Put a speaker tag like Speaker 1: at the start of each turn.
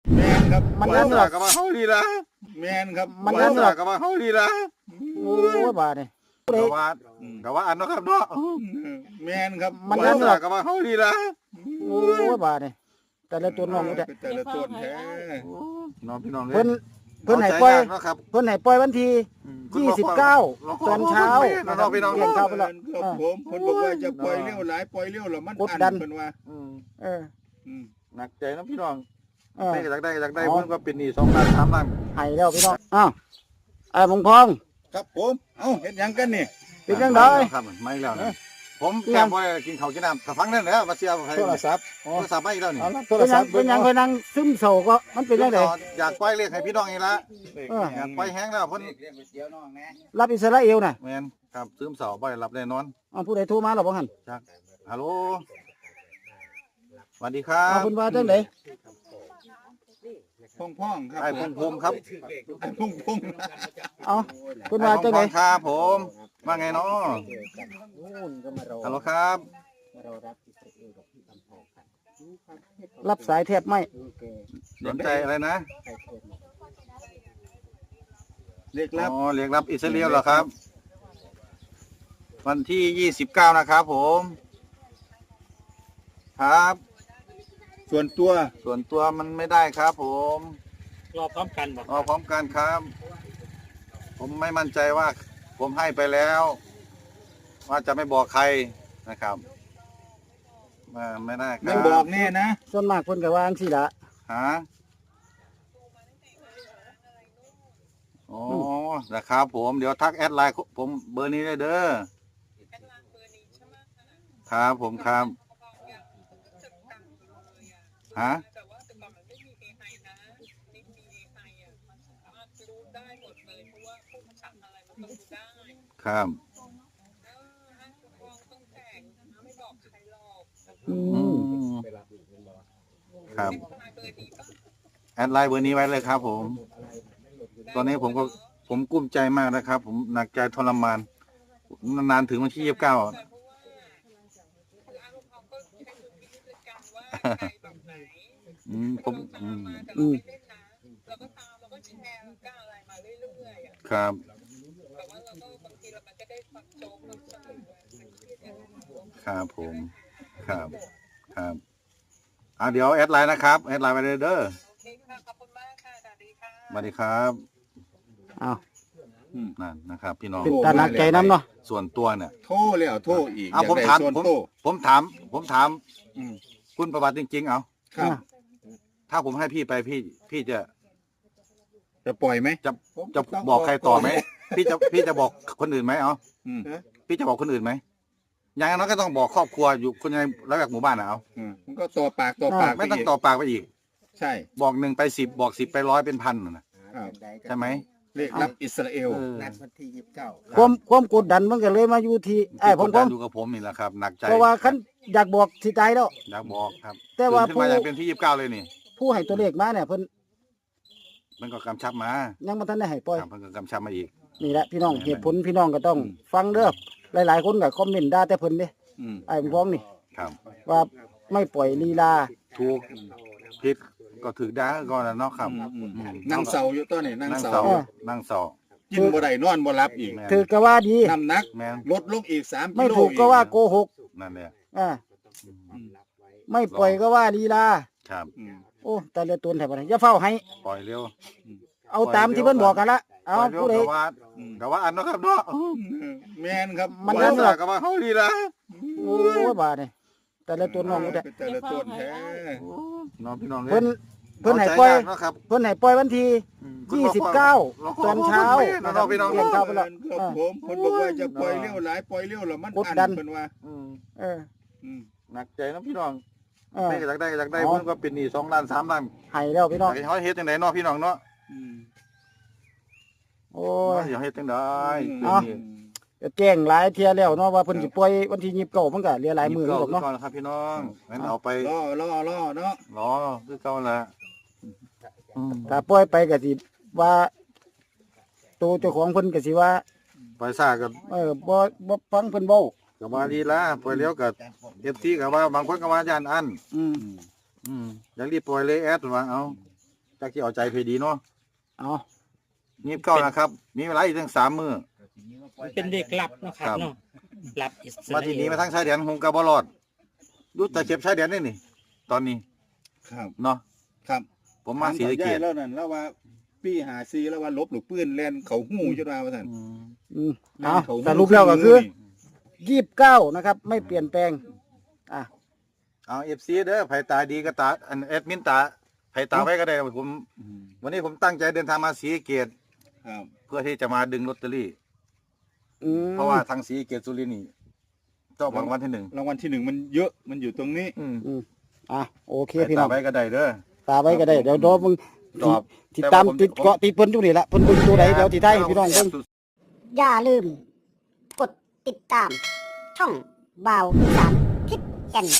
Speaker 1: แมนครับ
Speaker 2: มันนั่นหรอก
Speaker 3: กับว่าเฮาดีละ
Speaker 1: แมนครับ
Speaker 2: มันนั่นหรอก
Speaker 3: กับว่าเฮาดีละ
Speaker 2: โอ้ยบาดนี่
Speaker 3: กับว่าอันเนาะครับเนาะ
Speaker 1: แมนครับ
Speaker 2: มันนั่นหรอก
Speaker 3: กับว่าเฮาดีละ
Speaker 2: โอ้ยบาดนี่แต่ละตัวน้องนี่แหละ
Speaker 1: แต่ละต้นแท้
Speaker 3: น้องพี่น้อง
Speaker 2: เพิ่นให้ปล่อย
Speaker 3: เนาะครับ
Speaker 2: เพิ่นให้ปล่อยวันที่29ตอนเช้า
Speaker 3: น้องพี่น้อง
Speaker 2: เรียน
Speaker 1: ค
Speaker 2: ข้า
Speaker 1: รั
Speaker 2: วไปแล้ว
Speaker 1: ผมคนบอกว่าจะปล่อยเลี้ยวหลายปล่อยเลี้ยวหรอมัน
Speaker 2: กดดัน
Speaker 1: เป็นว่า
Speaker 2: เออ
Speaker 3: หนักใจน้องพี่น้อง
Speaker 2: เออ
Speaker 3: ได้อยากได้เพิ่นก็เป็นหนี้2ล้าน3ล้าน
Speaker 2: ให้แล้วพี่น้องอ้าวไอ้มงพอง
Speaker 1: ครับผมเอ้าเห็นยังกันนี่
Speaker 2: เป็นจังได
Speaker 3: ครับไม่แล้วนะผมแค่บ่กินข้าวกินน้ำถ้าฟังนั่นแหละมาเสียให้
Speaker 1: โทรศัพท์
Speaker 3: โทรศัพท์มาอีกแล้วนี่
Speaker 1: โทรศัพท์
Speaker 2: เป็นหยังเพิ่นนั่งซึมเศร้าก็มันเป็นจังได
Speaker 3: อยากปล่อยเลขให้พี่น้องอีกละ
Speaker 2: เออ
Speaker 3: อยากปล่อยแห้งแล้วเพิ่น
Speaker 2: รับอิสราเอลน่ะ
Speaker 3: แม่นครับซึมเศร้าบ่ได้หลับได้นอน
Speaker 2: อ้าวผู้ใดโทรมาหรอบ่หั่น
Speaker 3: จักฮัลโหลสวัสดีครั
Speaker 2: อ้าว
Speaker 3: บ
Speaker 2: เพิ่นว่าจังได
Speaker 1: พ่องครับ
Speaker 3: ไอ้พงครับ
Speaker 1: ไอ้พง
Speaker 2: เอ้าเพิ่น
Speaker 3: ไอ้
Speaker 2: ว่า
Speaker 3: พ
Speaker 2: จังได
Speaker 3: งครับผมว่าไงเนาะฮัลโหลครับ
Speaker 2: รับสายแทบไม่
Speaker 3: สนใจอะไรนะ
Speaker 1: เรียกรับ
Speaker 3: อ๋อเรียกรับอิสราเอลเหรอครับ วันที่29นะครับผมครับ
Speaker 1: ส่วนตัว
Speaker 3: ส่วนตัวมันไม่ได้ครับผม
Speaker 4: รอพร้อมกันบอก
Speaker 3: รอพร้อมกันครับ ผมไม่มั่นใจว่า ผมให้ไปแล้ว ว่าจะไม่บอกใครนะครับไม่ได้ค
Speaker 1: ไม่
Speaker 3: รับ
Speaker 1: บอกแน่นะ
Speaker 2: ส่วนมากเพิ่นก็ว่าจังซี่ล่ะ
Speaker 3: ฮะอ๋อนะครับผมเดี๋ยวทักแอดไลน์ผมเบอร์นี้ได้เด้อครับผมครับฮะครับ
Speaker 2: อื
Speaker 3: อื
Speaker 2: ม
Speaker 3: มครับแอดไลน์เบอร์นี้ไว้เลยครับ ผม ตอนนี้ผมกุ้มใจมากนะครับ ผมหนักใจทรมานนานๆถึงวันที่29ผม
Speaker 2: อืม
Speaker 3: ครับครับผมครับครับเดี๋ยวแอดไลน์นะครับแอดไลน์ไปเลยเด้อสวัสดีครับ
Speaker 2: อ้าว
Speaker 3: นั่นนะครับ พี่น้อง
Speaker 2: เป็นตาหนักใจนํเนาะ
Speaker 3: ส่วนตัวเนี่ย
Speaker 1: โทรแล้วโทรอีก
Speaker 3: ผม
Speaker 1: อยก
Speaker 3: ถาม
Speaker 1: ได้ส่วน
Speaker 3: ผม
Speaker 1: โต
Speaker 3: ผมถาม
Speaker 1: อืม
Speaker 3: คุณประวัติจริงๆเอา
Speaker 1: ครับ
Speaker 3: ถ้าผมให้พี่ไปพี่จะ
Speaker 1: จะปล่อยไหม
Speaker 3: จะบอกใครต่อไหมพี่จะบอกคนอื่นไหมเอา
Speaker 1: อืม
Speaker 3: พี่จะบอกคนอื่นไหมอย่างนั้นก็ต้องบอกครอบครัวอยู่คนในระแวกหมู่บ้านนะเอา
Speaker 1: มันก็ต่อปากต่อปาก
Speaker 3: ไม่ต้อง
Speaker 1: ปก
Speaker 3: ต่อปากไปอีก
Speaker 1: ใช่
Speaker 3: บอก1ไป10บอก10ไป100เป็นพันนะครับ ใช่ไหม
Speaker 1: เรียกรับอิสราเอล
Speaker 3: เออ
Speaker 4: นัดวันที่29
Speaker 2: ความกดดันมันก็เลยมาอยู่ที่ไอ้ผม
Speaker 3: กดดันอยู่กับผมนี่แหละครับหนักใจ
Speaker 2: เพราะว่าคันอยากบอกสิตายแล้ว
Speaker 3: อยากบอกครับ
Speaker 2: แต่ว่า
Speaker 3: ตื่นขึ้นมาอยากเป็นที่29เลยนี่
Speaker 2: ผู้ให้ตัวเลขมาเนี่ยเพิ่น
Speaker 3: มันก็กำชับมา
Speaker 2: ยังบ่ทันได้ให้ปล่อย
Speaker 3: ครับมันก็กำชับมาอีก
Speaker 2: นี่แหละพี่น้องเหตุผลพี่น้องก็ต้องฟังเด้อหลายๆคนก็คอมเมนต์ด่าแต่เพิ่นเด้
Speaker 1: อืม
Speaker 2: ไอ้ผมฟ้องนี่
Speaker 3: ครับ
Speaker 2: ว่าไม่ปล่อยลีลา
Speaker 3: ถูกผิดก็ถือได้ก่อนนะเนาะครับ
Speaker 1: นั่งเสาอยู่ต้นนี่นั่ง
Speaker 3: นั่ง
Speaker 1: เสา
Speaker 3: เสา
Speaker 2: เออ
Speaker 3: นั่งเสา
Speaker 1: กินบ่ได้นอนบ่หลับอีก
Speaker 3: แม่น
Speaker 2: ถือก็ว่าดี
Speaker 1: น้ำหนัก
Speaker 3: แม่น
Speaker 1: ลดลงอีก3
Speaker 2: ไม่
Speaker 1: กิโล
Speaker 2: ถูกก็ว่าโกหก
Speaker 3: นั่นแหละ
Speaker 2: อ่าไม่ปล่อยก็ว่าลีลา
Speaker 3: ครับ
Speaker 1: อืม
Speaker 2: โอ้แต่ละตนแถบอะไรอย่าเฝ้าให้
Speaker 3: ปล่อยเร็ว
Speaker 2: เอาตามที่เพิ่นบอกกันละเอา
Speaker 3: ปล่อยเร็ว
Speaker 2: ผู้ใด
Speaker 3: กับว่าอันเนาะครับเนาะ
Speaker 1: แม่นครับ
Speaker 2: มัน
Speaker 3: นั่
Speaker 2: นั่
Speaker 3: น
Speaker 2: น
Speaker 3: ห
Speaker 2: ห
Speaker 3: ร
Speaker 2: ร
Speaker 3: อ
Speaker 2: อก
Speaker 3: กับว่าเฮาดีละ
Speaker 2: โอ้ยบาดนี่แต่ละตัวน้องแต่
Speaker 1: แต่ละต้นแท้
Speaker 3: น้องพี่น้อง
Speaker 2: เพิ่นให้ปล่อย
Speaker 3: เนาะครับ
Speaker 2: เพิ่นให้ปล่อยวันที่29ตอนเช้า
Speaker 3: น้องพี่น้อง
Speaker 2: เรียนข้าวไปแล้ว
Speaker 1: ครับผมคนบอกว่าจะปล่อยเลี้ยวหลายปล่อยเลี้ยวแล้วมัน
Speaker 2: กดดัน
Speaker 1: เป็นว่า
Speaker 2: เออ
Speaker 3: หนักใจน้องพี่น้อง
Speaker 2: เออ
Speaker 3: ไม่อยากได้เพิ่นก็เป็นหนี้2ล้าน3ล้าน
Speaker 2: ให้แล้วพี่น้อง
Speaker 3: อยากให้เขาเฮ็ดจังไดเนาะพี่น้องเนาะ
Speaker 2: โอ้ย
Speaker 3: อยากเฮ็ดจังได
Speaker 2: เอา ก็แจ้งหลายเที่ยแล้วเนาะว่าเพิ่นสิปล่อยวันที่29มันก็เหลือหลายมื้อ
Speaker 3: ก็
Speaker 2: แล้วเนาะ
Speaker 3: ก่อนครับพี่น้องงั้นเอาไป
Speaker 1: ล่อเนาะ
Speaker 3: รอคือเก่าละ
Speaker 2: ถ้าปล่อยไปก็สิว่าตัวเจ้าของเพิ่นก็สิว่า
Speaker 3: ไปซ่าก็
Speaker 2: บ่ฟังเพิ่นเว้า
Speaker 3: ก็ว่าดีละปล่อยเร็วก็ FT ก็ว่าบางคนก็ว่าย่านอัน
Speaker 2: อืม
Speaker 3: อยากรีบปล่อยเลยแอดว่าเอาจากที่เอาใจเพดีเนาะ
Speaker 2: เอา
Speaker 3: 29นะครับมีเวลาอีกตั้ง3มื้อ
Speaker 4: มันเป็นเด็กหลับเนาะครับเนาะหลับอิสรา
Speaker 3: มา
Speaker 4: เอ
Speaker 3: ที่
Speaker 4: ล
Speaker 3: นี้มาทั้งชายแดนคงกะบ่รอดดูแต่เข็บชายแดนนี่นี่ ตอนนี้
Speaker 1: ครับ
Speaker 3: เนาะ
Speaker 1: ครับ
Speaker 3: ผมมาศรีสะเกษ
Speaker 1: แล้วนั่นแล้วว่าปี54แล้วว่าลบหรือปืนแล่นเขาหู้จังว่าซั่น
Speaker 2: เอาสรุปแล้วก็คือ29นะครับ ไม่เปลี่ยนแปลงอ่ะ
Speaker 3: เอา FC เด้อไผตาดีก็ตาอันแอดมินตาไผตาไว้ก็ได้ผม วันนี้ผมตั้งใจเดินทางมาศรีสะเกษ
Speaker 1: ครับ
Speaker 3: เพื่อที่จะมาดึงลอตเตอรี่
Speaker 2: อืม
Speaker 3: เพราะว่าทางศรีสะเกษสุรินทร์นี่เจ้ารางวัลที่
Speaker 1: รางวัลที่1มันเยอะมันอยู่ตรงนี้
Speaker 3: 1
Speaker 2: อ่ะโอเค
Speaker 3: ไผ
Speaker 2: พี่น้
Speaker 3: ตา
Speaker 2: อง
Speaker 3: ไว้ก็ได้เด้อ
Speaker 2: ตาไว้ก็ได้เดี๋ยวรอมึง
Speaker 3: ตอบ
Speaker 2: ติดตามติดเกาะติดเพิ่นอยู่นี่แหละเพิ่นเบิ่งตัวไหนเดี๋ยวติดท้ายให้พี่น้องเบิ่ง
Speaker 5: อย่าลืม กดติดตาม ช่องบ่าวอีสานทิพย์แก่น